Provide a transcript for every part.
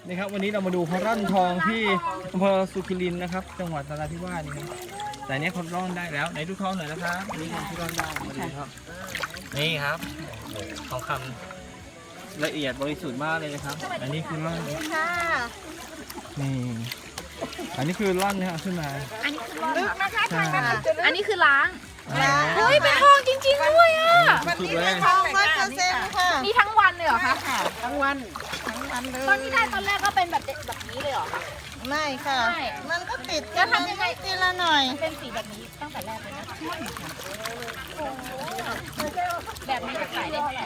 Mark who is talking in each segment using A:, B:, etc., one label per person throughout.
A: นี่ครับวันนี้เรามาดูเขาร่อนทองที่อำเภอสุขิรินทร์นะครับจังหวัดนราธิวาสนี่ครับแต่เนี้ยเขาร่อนได้แล้วไหนดูทองหน่อยนะครับนี่ทองที่ร่อนได้มาดูครับนี่ครับทองคำละเอียดบริสุทธิ์มากเลยนะครับอันนี้คือร่อนนี่อันนี้คือร่อนนะครับขึ้นมา
B: อันนี้คือลึกนะคะ
A: ใช่
B: อันนี้คือล้าง
A: เฮ้
B: เฮ้ยเป็นทองจริงๆด้วยอ่ะ
A: สุดเลย
C: ทอง100%ค่ะ
B: มีทั้งวันเลยเหรอคะ
C: ทั้งวันเลย
B: ตอนที่ได้ตอนแรกก็เป็นแบบนี้เลยเหรอคะ
C: ไม่ค่ะ
B: ไม่
C: มันก็ติด
B: แล้วทำยังไง
C: ทีละหน่อย
B: เป็นสีแบบนี้ตั้งแต่แรกเลยนะโอ้โหแบบนี้จะขายได้เท่าไหร่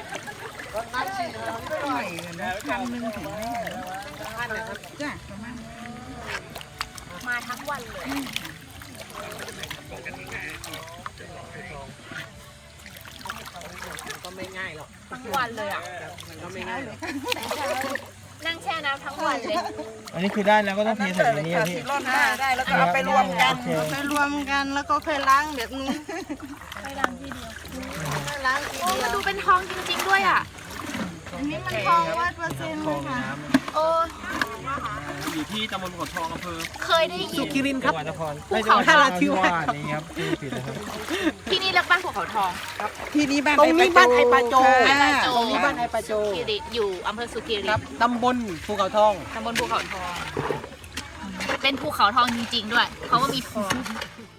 C: 1,000 ถึงไม่ถึงจ้ะประมาณ
B: มาทั้งวันเลยก็ไม่ง่ายหรอกทั้งวันเลยอ่ะก็ไม่ง่ายหรอกนั่งแช่น้ำทั้งวันเลย
A: อันนี้คือได้แล้วก็ต้องเทใส่ในนี้อะพี่
C: ร่อนได้แล้วก็เอาไปรวมกันแล้วก็ค่อยล้างแบบนี้
B: ไปล้างทีเดียว
C: ค่อยล้างที
B: โอ้
C: เดี
B: มา
C: ยว
B: ดูเป็นทองจริงๆด้วยอ่ะ
C: อันนี้มันทอง100%
A: ทอง
C: ค่ะ
A: น้ำ
B: โอ้
A: อยู่ที่ตำบลภูเขาทองอำเภอ
B: เคยได้ยิ
A: สุ
B: น
A: ขิรินทร์ครับจังหวัดนคร
B: ภูเขาทอง
A: นราธิวาสนี่ครับที่ผิดนะครับ
B: ที่นี่เรียกบ้านภูเขาทอง
D: ที่นี่บ้านไอปาโจ
B: ไอปาโจ
D: ตรงนี้บ้านไอปาโจ
B: สุขิริอยู่อำเภอสุขิริ
D: ครับตำบลภูเขาทอง
B: ตำบลภูเขาทอง เป็นภูเขาทองจริงๆด้วย เพราะว่ามีทอง